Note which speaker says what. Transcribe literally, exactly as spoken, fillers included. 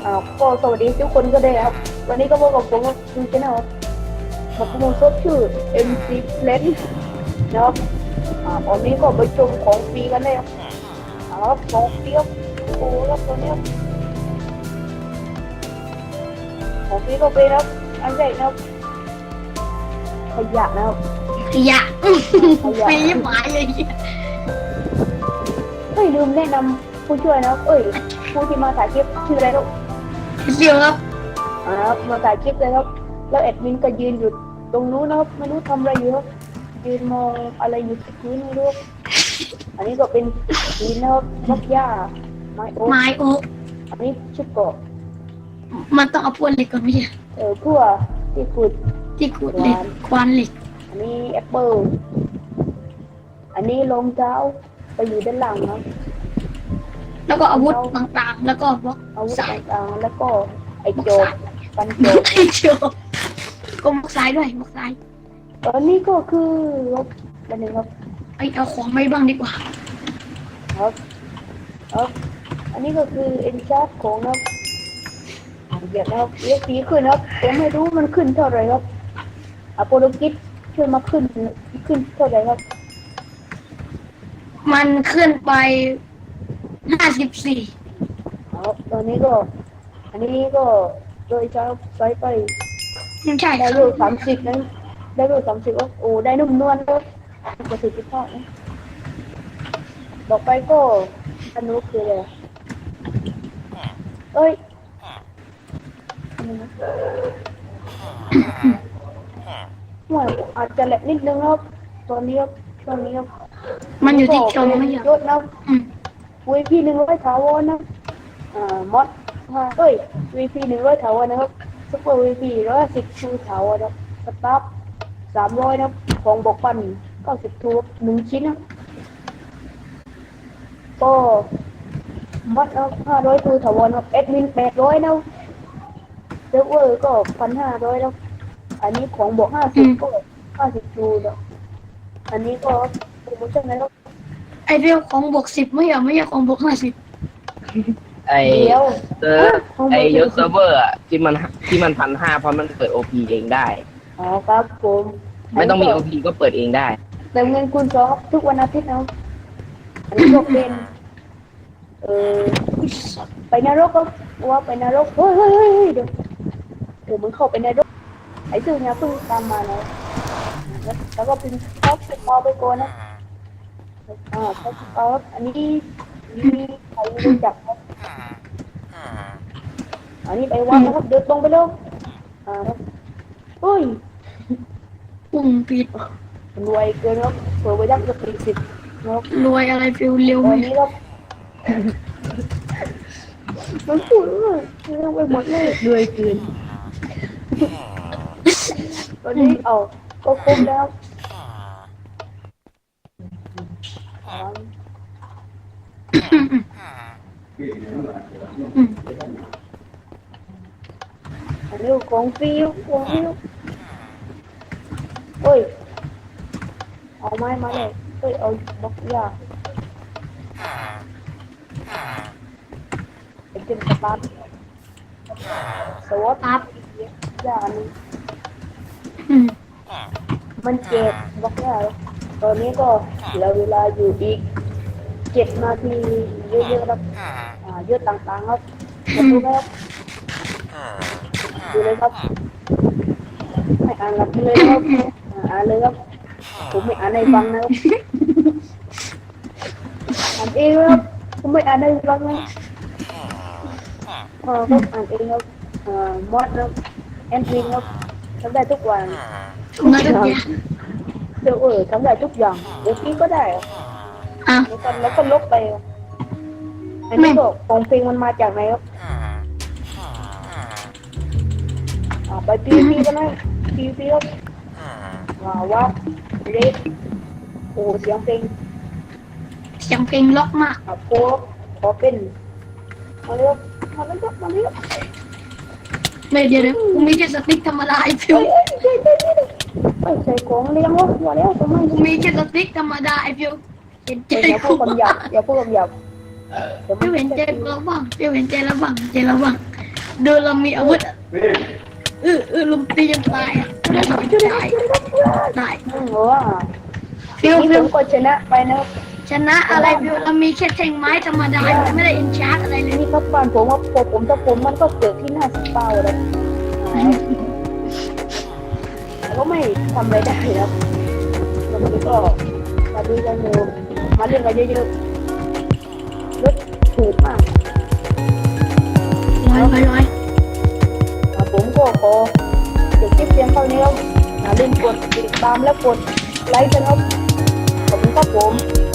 Speaker 1: อ่าก็สวัสดีทุกคนก็ได้ครับวันนี้ก็พบกับผมคุณชนะครับมาพูดซดชื่อ เอ็ม ซี Plan นะครับอ่าตอนนี้ก็ไปชมของฟรีกันเลยครับอ่าครับของฟรีครับโอ้ครับตอนนี้ครับของฟรีก็เป็นครับอันแรกนะครับขยะนะครับ
Speaker 2: ขยะ
Speaker 1: ขยะ
Speaker 2: ไม่หมายเลย
Speaker 1: เฮ้ยลืมแนะนำผู้ช่วยนะครับเอ้ยผู้ที่มาถ่ายคลิปชื่ออะไรครับ
Speaker 2: เดียวครับ
Speaker 1: อ่าครับมาถ่ายคลิปเลยครับแล้วแอดมินก็ยืนอยู่ตรงนู้นนะครับไม่รู้ทำอะไรอยู่ครับยืนมองอะไรอยู่ที่พื้นไม่รู้อันนี้ก็เป็นหินนะครับมักหญ้าไม้โอ๊ก
Speaker 2: ไม้โอ๊ก
Speaker 1: อันนี้ชุดเกาะ
Speaker 2: มันต้องเอาพวกเหล็กก่อนไม่ใช่
Speaker 1: เออเพื่อที่ขุด
Speaker 2: ที่ขูดเหล็กควานเหล็ก
Speaker 1: อันนี้แอปเปิลอันนี้รองเท้าไปอยู่ด้านหลังครับ
Speaker 2: แล้วก็อาวุธต่างๆ แล้วก็บล็อก
Speaker 1: อาวุธ
Speaker 2: สาย
Speaker 1: ต่างๆแล้วก็ไอโจกกันโจก
Speaker 2: ไอ้เชียวก็บล็อกสายด้วยบล็อกสาย
Speaker 1: ตอนนี้ก็คือครับอันหนึ่งครับ
Speaker 2: ไอเอาของไปบ้างดีกว่า
Speaker 1: ครับครับอันนี้ก็คือเอ็นชาร์ของนะครับเดี๋ยวนะครับเรียกสีขึ้นครับผมไม่รู้มันขึ้นเท่าไหร่ครับอะโปโลกิสช่วยมาขึ้นขึ้นเท่าไหร่ครับ
Speaker 2: มันขึ้นไปห้าสิบสี่
Speaker 1: ครับตอนนี้ก็ อันนี้ก็โดยใช้ใช้ไป
Speaker 2: ไม่ใช่
Speaker 1: ได้
Speaker 2: ครั
Speaker 1: รู
Speaker 2: บ
Speaker 1: ปสามสิบนะได้รูปสามสิบโอ้ได้นุ่มนวลครับประสิทธิภาพนะต่อไปก็อันนู้นคืออะไรเอ้ยว่าอาจจะแหลกนิดนึงครับตอนนี้ครับตอนนี้ครับ
Speaker 2: มันอยู่ที่ชมไม่ใช่
Speaker 1: ยศนะ
Speaker 2: อืม
Speaker 1: วีพีหนึ่งร้อยถาวรนะอ่ามอดมาเอ้ยวีพีหนึ่งร้อยถาวรนะครับซุปเปอร์วีพีร้อยสิบทูถาวรนะสตาร์ฟสามร้อยนะของบกปันเก้าสิบทูหนึ่งชิ้นนะก็มอดนะห้าร้อยทูถาวรนะเอ็ดมินแปดร้อยนะเซิร์ฟเวอร์ก็พันห้าร้อยนะอันนี้ของบวกห้าสิบก็ห้าสิบทูนะอันนี้ก็โปรโมชั่นนะครับ
Speaker 2: ไอเรื่องของบวกสิบไม่ใช่ไม่ใช่ของบวกห้าสิบ
Speaker 3: ไอ
Speaker 1: เดี๋ยว
Speaker 3: เซิร์ฟไอยศเซิร์ฟเวอร์อะที่มันที่มันพันห้าเพราะมันเปิดโอพีเองได้
Speaker 1: อ๋อครับผม
Speaker 3: ไม่ต้องมีโอพีก็เปิดเองได้
Speaker 1: เติมเงินคูณสองทุกวันอาทิตย์นะอันนี้ก็เป็นเออไปนรกก็ว่าไปนรกเฮ้ยเฮ้ยเฮ้ยเฮ้ยเดี๋ยวเดี๋ยวมึงเข้าไปนรกไอ้ซื่อเนี่ยเพิ่งตามมานะแล้วแล้วก็เป็นท็อปสปอร์ไปก่อนนะอ่าท็อปสปอร์อันนี้นี่ใครไม่รู้จักครับอันนี้ไปวัดนะครับเดินตรงไปเร็วอ่าครับเฮ้ย
Speaker 2: ปุ่มปิด
Speaker 1: รวยเกินครับเผื่อไปยักษ์จะปีสิบนะครับ
Speaker 2: รวยอะไรฟิวเร็ว
Speaker 1: ต
Speaker 2: ไหม
Speaker 1: อนนี้ครับมันพูดว่าเรื่องไปหมดเลยรวยเกินตอนนี้เอาก็ครบแล้วอันนี้ของฟิวของฟิวเฮ้ยเอาไม้มาเลยเฮ้ยเอาบล็อกยาเป็นเจนสตาร์ทสวอต
Speaker 2: ครับ
Speaker 1: ยาอันนี้
Speaker 2: อืม
Speaker 1: มันเจ็บบล็อกยาตอนนี้ก็เหลือเวลาอยู่อีกเจ็ดนาทีเยอะๆครับอ่าเยอะต่างๆครับมาดูไหมครับดูเลยครับไม่อ่านหลับเลยนะครับอ่าอ่านเลยครับผมไม่อ่านให้ฟังนะครับอ่านเองครับผมไม่อ่านให้ฟังนะเออครับอ่านเองครับอ่ามอดครับแอนทรีครับทำได้ทุกวัน
Speaker 2: เงินทุกอย่าง
Speaker 1: เดี๋ยวเออทำได้ทุกอย่างเดี๋ยวพี่ก็ได้อะ
Speaker 2: อ่ะ
Speaker 1: แล้วก็แล้วก็ลบไปอะอันนี้ก็ของเพลงมันมาจากไหนครับอ่าไปพีพีกันนะพีพีครับว้าวว่าเรดโอ้เสียงเพลง
Speaker 2: เสียงเพลงล็อกมาก
Speaker 1: อ่าโค้ดขอเป็นมาเร็วมาเร็วมาเร็ว
Speaker 2: ไม่เดี๋ยวเดี๋ยวกูมีแค่สติ๊กธรรมดาไอฟิ
Speaker 1: เฮ้
Speaker 2: วย
Speaker 1: เฮ้ยเฮ้ยเฮ้ยเฮ้ยเฮ้ยใส่ของเลี้ยงวะว่าแล้วทำไม
Speaker 2: กูมีแค่สติ๊กธรรมดาไอฟิวเห็นใจ
Speaker 1: อย่าพู
Speaker 2: กู
Speaker 1: ดคำหยาบอย่าพูดคำหยาบเดี๋ยวมั
Speaker 2: ฟิวเห็นใจ
Speaker 1: จะ
Speaker 2: เราบ้างฟิวเห็นใจเราบ้างใจเราบ้างเดินเรามีอาวุธอะเออเออลุมตีจนตายอ่ะตายตาย
Speaker 1: อืมว่า
Speaker 2: ฟิว
Speaker 1: นี่
Speaker 2: ฟิ
Speaker 1: ผ
Speaker 2: ว
Speaker 1: มก็ชนะไปนะครับ
Speaker 2: ชนะอะไรฟิวเรามีแค่แทงไม้ธรรมดาไม่ได้อินชาร์จอะไรเลย
Speaker 1: นี่ครับบ้านผมว่าพอผมถ้าผมมันก็เกิดที่หน้าสเปาเลยแต่ก็ไม่ทำอะไรได้ครับแล้วมันก็มาดูกันอยู่มาเล่นกันเยอะๆรถถูกมาก
Speaker 2: ร้อยร้อยร้อย
Speaker 1: อ่ะผมก็ขอจบคลิปเพียงเท่านี้ครับอย่าลืมกดติดตามและกดไลค์กันครับขอบคุณครับผม